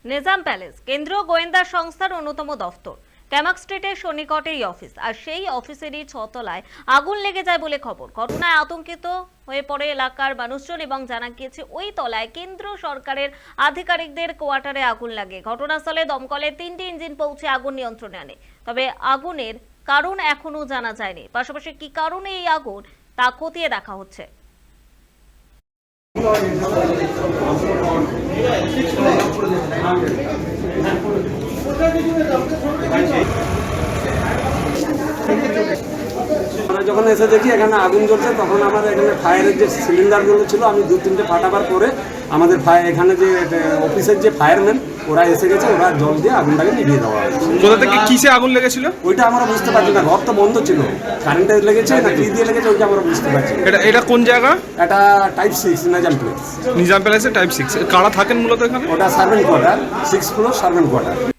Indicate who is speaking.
Speaker 1: Nizam palace কেন্দ্রীয় গোয়েন্দা সংস্থার অন্যতম দফতর। ক্যামাক স্ট্রিটের সন্নিকটে এই অফিস, আর সেই অফিসেরই ছতলায় আগুন লেগে যায় বলে খবর। ঘটনায় আতঙ্কিত হয়ে পড়ে এলাকার মানুষজন এবং জানা গিয়েছে ওই তলায় কেন্দ্র সরকারের আধিকারিকদের কোয়ার্টারে আগুন লাগে। ঘটনাস্থলে দমকলের 3টি ইঞ্জিন পৌঁছে আগুন নিয়ন্ত্রণে আনে। তবে আগুনের কারণ এখনো জানা যায়নি। পাশাপাশি কি কারণে এই আগুন তা খতিয়ে দেখা হচ্ছে।
Speaker 2: আমরা যখন এসে দেখি এখানে আগুন জ্বলছে, তখন আমার এখানে ফায়ারের যে সিলিন্ডারগুলো ছিল আমি 2-3টে ফাটাবার পরে আমাদের এখানে যে অফিসের যে ফায়ারম্যান ওরা এসে গেছে, ওরা জল দিয়ে আগুনটাকে নিভিয়ে দেওয়া হয়েছে।
Speaker 3: কোথা থেকে কিসে আগুন লেগেছিল
Speaker 2: ওইটা আমরা বুঝতে পারছি না, ঘর তো বন্ধ ছিল, কারেন্টে লেগেছে না কি দিয়ে লেগেছে ওইটা আমরা বুঝতে পারছি না।
Speaker 3: এটা কোন জায়গা?
Speaker 2: এটা টাইপ 6 নিজাম প্লেস।
Speaker 3: নিজাম প্যালেসে টাইপ 6 কারা থাকেন মূলত এখানে?
Speaker 2: ওটা servant quarter, 6 floor servant quarter.